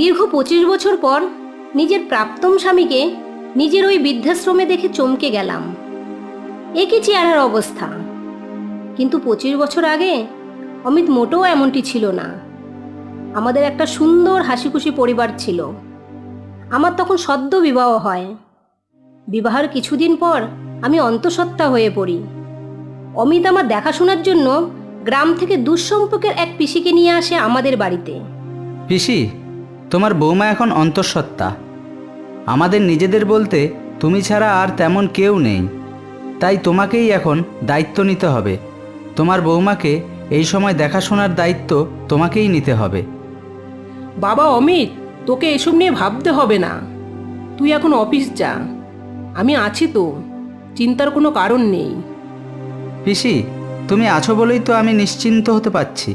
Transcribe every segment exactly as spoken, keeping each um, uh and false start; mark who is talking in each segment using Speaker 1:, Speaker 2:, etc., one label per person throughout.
Speaker 1: দীর্ঘ পঁচিশ বছর পর নিজের প্রাক্তন স্বামীকে নিজের ওই বৃদ্ধাশ্রমে দেখে চমকে গেলাম। একই চেহারার অবস্থা, কিন্তু পঁচিশ বছর আগে অমিত মোটেও এমনটি ছিল না। আমাদের একটা সুন্দর হাসিখুশি পরিবার ছিল। আমার তখন সদ্য বিবাহ হয়। বিবাহের কিছুদিন পর আমি অন্তঃসত্ত্বা হয়ে পড়ি। অমিত আমার দেখাশোনার জন্য গ্রাম থেকে দুঃসম্পর্কের এক পিসিকে নিয়ে আসে আমাদের বাড়িতে।
Speaker 2: পিসি, তোমার বৌমা এখন অন্তঃসত্ত্বা। আমাদের নিজেদের বলতে তুমি ছাড়া আর তেমন কেউ নেই, তাই তোমাকেই এখন দায়িত্ব নিতে হবে। তোমার বৌমাকে এই সময় দেখাশোনার দায়িত্ব তোমাকেই নিতে হবে।
Speaker 3: বাবা অমিত, তোকে এসব নিয়ে ভাবতে হবে না। তুই এখন অফিস যা, আমি আছি তো, চিন্তার কোনো কারণ নেই।
Speaker 2: পিসি, তুমি আছো বলেই তো আমি নিশ্চিন্ত হতে পারছি।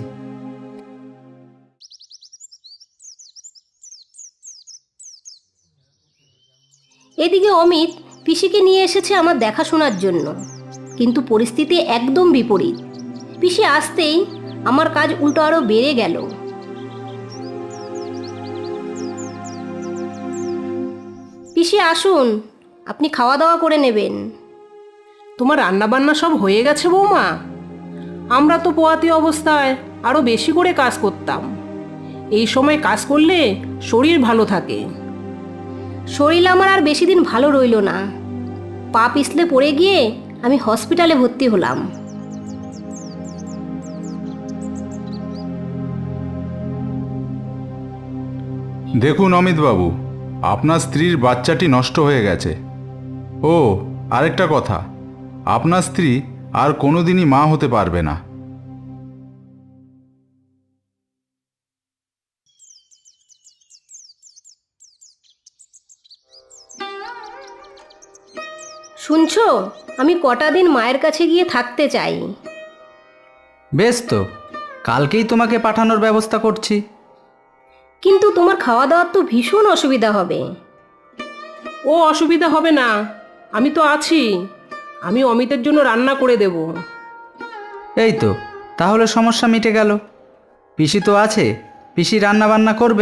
Speaker 1: এদিকে অমিত পিসিকে নিয়ে এসেছে আমার দেখাশোনার জন্য, কিন্তু পরিস্থিতি একদম বিপরীত। পিসি আসতেই আমার কাজ উল্টো আরও বেড়ে গেল। পিসি আসুন, আপনি খাওয়া দাওয়া করে নেবেন।
Speaker 3: তোমার রান্নাবান্না সব হয়ে গেছে বৌমা? আমরা তো পোয়াতি অবস্থায় আরও বেশি করে কাজ করতাম। এই সময় কাজ করলে শরীর ভালো থাকে।
Speaker 1: শরীর আমার আর বেশি দিন ভালো রইল না। পা পিছলে পড়ে গিয়ে আমি হসপিটালে ভর্তি হলাম।
Speaker 4: দেখুন অমিতবাবু, আপনার স্ত্রীর বাচ্চাটি নষ্ট হয়ে গেছে। ও আরেকটা কথা, আপনার স্ত্রী আর কোনোদিনই মা হতে পারবে না।
Speaker 1: শুনছো, আমি কটা দিন মায়ের কাছে গিয়ে থাকতে চাই।
Speaker 2: বেশ তো, কালকেই তোমাকে পাঠানোর ব্যবস্থা করছি।
Speaker 1: কিন্তু তোমার খাওয়া দাওয়ার তো ভীষণ অসুবিধা হবে।
Speaker 3: ও অসুবিধা হবে না, আমি তো আছি। আমি অমিতের জন্য রান্না করে দেব।
Speaker 2: এই তো, তাহলে সমস্যা মিটে গেল। পিসি তো আছে, পিসি রান্না বান্না করবে।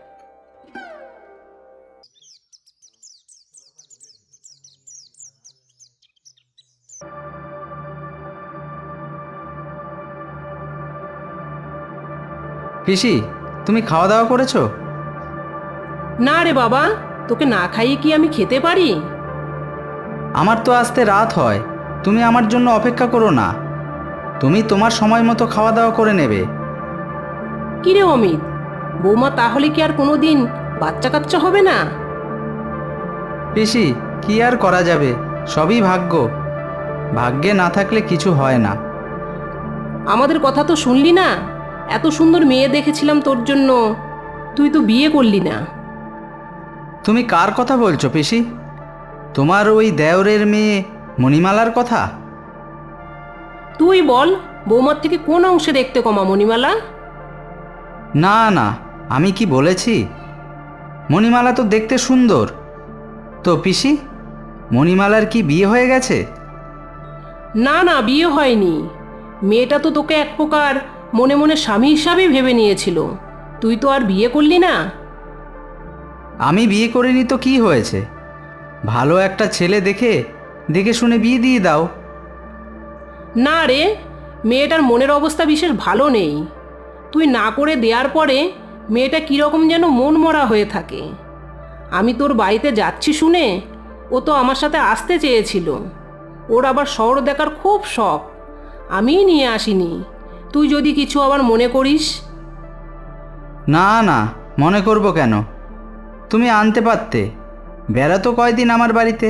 Speaker 2: পিসি, তুমি খাওয়া দাওয়া করেছো?
Speaker 3: না রে বাবা, তোকে না খাইয়ে কি আমি খেতে পারি?
Speaker 2: আমার তো আসতে রাত হয়, তুমি আমার জন্য অপেক্ষা করো না। তুমি তোমার সময় মতো খাওয়া দাওয়া করে নেবে।
Speaker 3: কিরে অমিত, বৌমা তাহলে কি আর কোনো দিন বাচ্চা কাচ্চা হবে না?
Speaker 2: পিসি, কি আর করা যাবে, সবই ভাগ্য। ভাগ্যে না থাকলে কিছু হয় না।
Speaker 3: আমাদের কথা তো শুনলি না? এত সুন্দর মেয়ে দেখেছিলাম তোর জন্য, তুই তো বিয়ে করলি না।
Speaker 2: তুমি কার কথা বলছো পিসি? তোমার ওই দেওরের মেয়ে মণিমালার কথা?
Speaker 3: তুই বল, বৌমার থেকে কোন অংশে দেখতে কমা মণিমালা?
Speaker 2: না না, আমি কি বলেছি? মণিমালা তো দেখতে সুন্দর। তো পিসি, মণিমালার কি বিয়ে হয়ে গেছে?
Speaker 3: না না, বিয়ে হয়নি। মেয়েটা তো তোকে এক প্রকার মনে মনে স্বামী হিসাবেই ভেবে নিয়েছিল। তুই তো আর বিয়ে করলি না।
Speaker 2: আমি বিয়ে করিনি তো কি হয়েছে? ভালো একটা ছেলে দেখে দেখে শুনে বিয়ে দিয়ে দাও।
Speaker 3: না রে, মেয়েটার মনের অবস্থা বিশেষ ভালো নেই। তুই না করে দেওয়ার পরে মেয়েটা কীরকম যেন মন মরা হয়ে থাকে। আমি তোর বাড়িতে যাচ্ছি শুনে ও তো আমার সাথে আসতে চেয়েছিল। ওর আবার শহর দেখার খুব শখ, আমিই নিয়ে আসিনি। তুই যদি কিছু আবার মনে করিস।
Speaker 2: না না, মনে করব কেন? তুমি আনতে পারতে, বেড়াতো কয়দিন আমার বাড়িতে।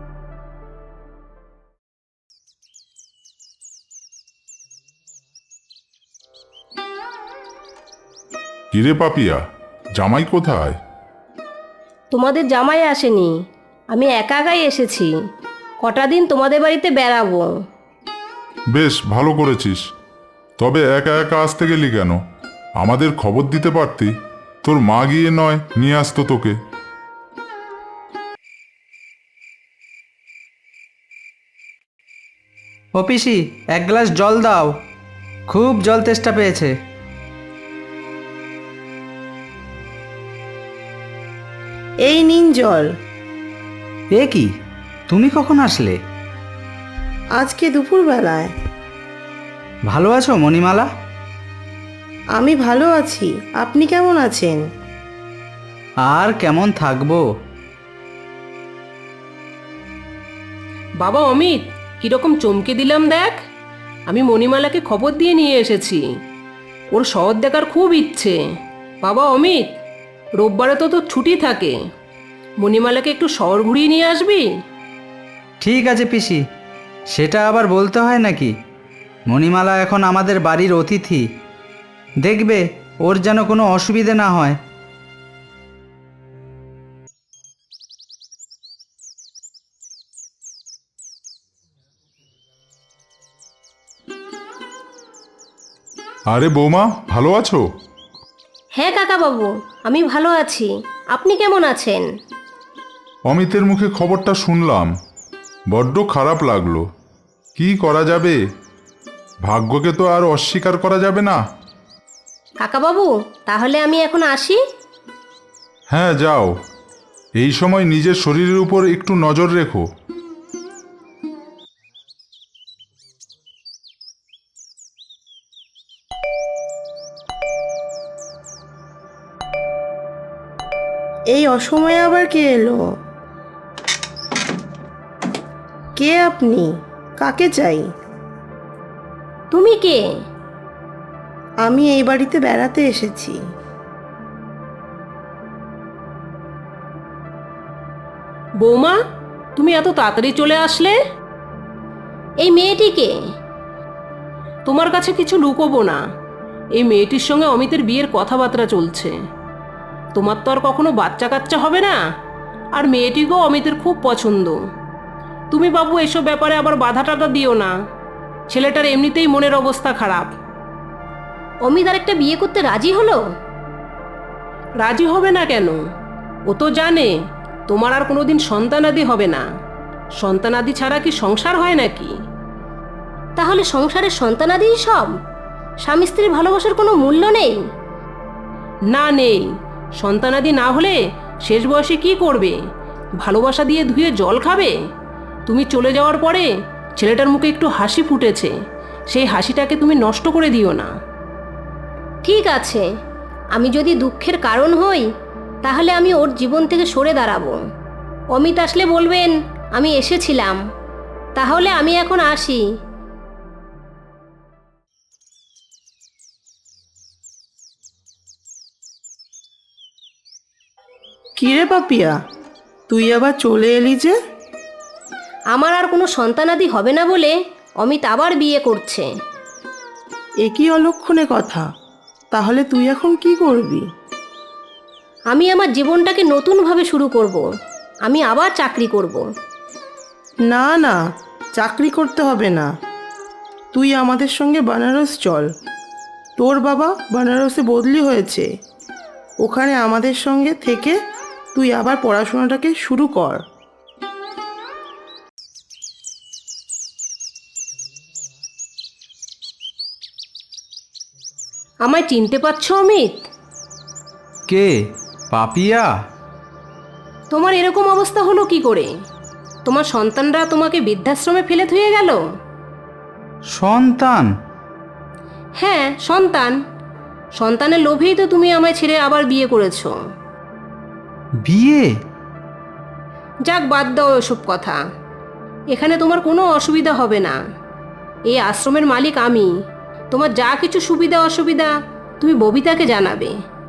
Speaker 5: কিরে পাপিয়া, জামাই কোথায়?
Speaker 1: তোমাদের জামাই আসেনি, আমি একা একাই এসেছি। কটা দিন তোমাদের বাড়িতে বেড়াবো।
Speaker 5: বেশ ভালো করেছিস। তবে একা একা আসতে গেলি কেন? আমাদের খবর দিতে পারতি, তোর মা গিয়ে নয় নিয়ে আসতো তোকে।
Speaker 2: ও পিসি, এক গ্লাস জল দাও, খুব জল তেষ্টা পেয়েছে।
Speaker 6: জল।
Speaker 2: এ কি, তুমি কখন আসলে?
Speaker 6: আজকে দুপুরবেলায়।
Speaker 2: ভালো আছো মণিমালা?
Speaker 6: আমি ভালো আছি, আপনি কেমন আছেন?
Speaker 2: আর কেমন থাকবো।
Speaker 3: বাবা অমিত, কিরকম চমকে দিলাম দেখ। আমি মণিমালাকে খবর দিয়ে নিয়ে এসেছি। ওর শহর দেখার খুব ইচ্ছে। বাবা অমিত, রোববারে তো তোর ছুটি থাকে, মণিমালাকে একটু শহর ঘুরিয়ে নিয়ে আসবি?
Speaker 2: ঠিক আছে পিসি, সেটা আবার বলতে হয় নাকি? মণিমালা এখন আমাদের বাড়ির অতিথি, দেখবে ওর যেন কোনো অসুবিধে না হয়।
Speaker 5: আরে বৌমা, ভালো আছো?
Speaker 1: হ্যাঁ কাকাবাবু, আমি ভালো আছি। আপনি কেমন আছেন?
Speaker 5: অমিতের মুখে খবরটা শুনলাম, বড্ড খারাপ লাগলো। কি করা যাবে, ভাগ্যকে তো আর অস্বীকার করা যাবে না।
Speaker 1: কাকাবাবু, তাহলে আমি এখন আসি?
Speaker 5: হ্যাঁ যাও, এই সময় নিজের শরীরের উপর একটু নজর রেখো।
Speaker 6: এই অসময়ে আবার কে এলো? কে আপনি? কাকে চাই?
Speaker 1: তুমি কে?
Speaker 6: আমি এই বাড়িতে বেড়াতে এসেছি।
Speaker 3: বৌমা, তুমি এত তাড়াতাড়ি চলে আসলে?
Speaker 1: এই মেয়েটিকে?
Speaker 3: তোমার কাছে কিছু লুকোবো না। এই মেয়েটির সঙ্গে অমিতের বিয়ের কথাবার্তা চলছে। তোমার তো আর কখনো বাচ্চা কাচ্চা হবে না, আর মেয়েটিকেও অমিতের খুব পছন্দ। তুমি বাবু এসব ব্যাপারে আবার বাধা টাধা দিও না। ছেলেটার এমনিতেই মনের অবস্থা খারাপ।
Speaker 1: অমিত আর একটা বিয়ে করতে রাজি হলো?
Speaker 3: রাজি হবে না কেন? ও তো জানে তোমার আর কোনোদিন সন্তানাদি হবে না। সন্তানাদি ছাড়া কি সংসার হয় নাকি?
Speaker 1: তাহলে সংসারের সন্তানাদিই সব? স্বামী স্ত্রীর ভালোবাসার কোনো মূল্য নেই?
Speaker 3: না, নেই। সন্তানাদি না হলে শেষ বয়সে কি করবে? ভালোবাসা দিয়ে ধুয়ে জল খাবে? তুমি চলে যাওয়ার পরে ছেলেটার মুখে একটু হাসি ফুটেছে, সেই হাসিটাকে তুমি নষ্ট করে দিও না।
Speaker 1: ঠিক আছে, আমি যদি দুঃখের কারণ হই তাহলে আমি ওর জীবন থেকে সরে দাঁড়াবো। অমিত আসলে বলবেন আমি এসেছিলাম। তাহলে আমি এখন আসি।
Speaker 6: কিরে পাপিয়া, তুই আবার চলে এলি যে?
Speaker 1: আমার আর কোনো সন্তানাদি হবে না বলে অমিত আবার বিয়ে করছে।
Speaker 6: এ কি অলক্ষণে কথা? তাহলে তুই এখন কি করবি?
Speaker 1: আমি আমার জীবনটাকে নতুনভাবে শুরু করব। আমি আবার চাকরি করব।
Speaker 6: না না, চাকরি করতে হবে না। তুই আমাদের সঙ্গে বানারস চল। তোর বাবা বানারসে বদলি হয়েছে। ওখানে আমাদের সঙ্গে থেকে তুই আবার পড়াশোনাটাকে শুরু কর।
Speaker 1: আমায় চিনতে পারছো অমিত?
Speaker 2: কে? পাপিয়া?
Speaker 1: তোমার এরকম অবস্থা হলো কি করে? তোমার সন্তানরা তোমাকে বৃদ্ধাশ্রমে ফেলে থুয়ে গেল?
Speaker 2: সন্তান?
Speaker 1: হ্যাঁ, সন্তান। সন্তানের লোভেই তো তুমি আমায় ছেড়ে আবার বিয়ে করেছো।
Speaker 2: বিয়ে?
Speaker 1: যাক, বাদ দাও ওসব কথা। এখানে তোমার কোনো অসুবিধা হবে না। এই আশ্রমের মালিক আমি। তোমার যা কিছু সুবিধা অসুবিধা তুমি ববিতাকে জানাবে।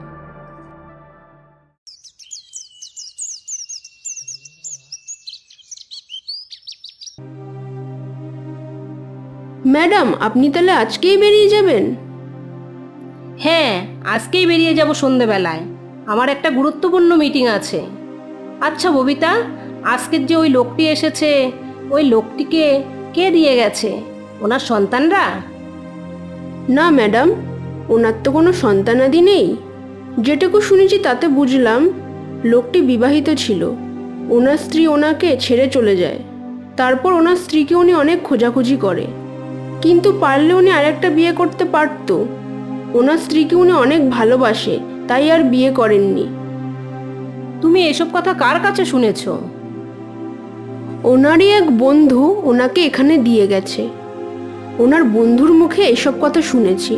Speaker 7: ম্যাডাম, আপনি তাহলে আজকেই বেরিয়ে যাবেন?
Speaker 1: হ্যাঁ, আজকেই বেরিয়ে যাব সন্ধেবেলায়। আমার একটা গুরুত্বপূর্ণ মিটিং আছে। আচ্ছা ববিতা, আজকের যে ওই লোকটি এসেছে, ওই লোকটিকে কে দিয়ে গেছে? ওনার সন্তানরা?
Speaker 7: না ম্যাডাম, ওনার তো কোনো সন্তানাদি নেই। যেটুকু শুনেছি তাতে বুঝলাম লোকটি বিবাহিত ছিল। ওনার স্ত্রী ওনাকে ছেড়ে চলে যায়। তারপর ওনার স্ত্রীকে উনি অনেক খোঁজাখুঁজি করে, কিন্তু পারলে উনি আরেকটা বিয়ে করতে পারত। ওনার স্ত্রীকে উনি অনেক ভালোবাসে, তাই আর বিয়ে করেননি।
Speaker 1: তুমি এসব কথা কার কাছে শুনেছো?
Speaker 7: ওনারই এক বন্ধু ওনাকে এখানে দিয়ে গেছে। ওনার বন্ধুর মুখে এসব কথা শুনেছি।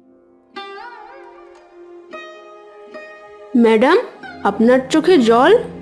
Speaker 7: ম্যাডাম, আপনার চোখে জল?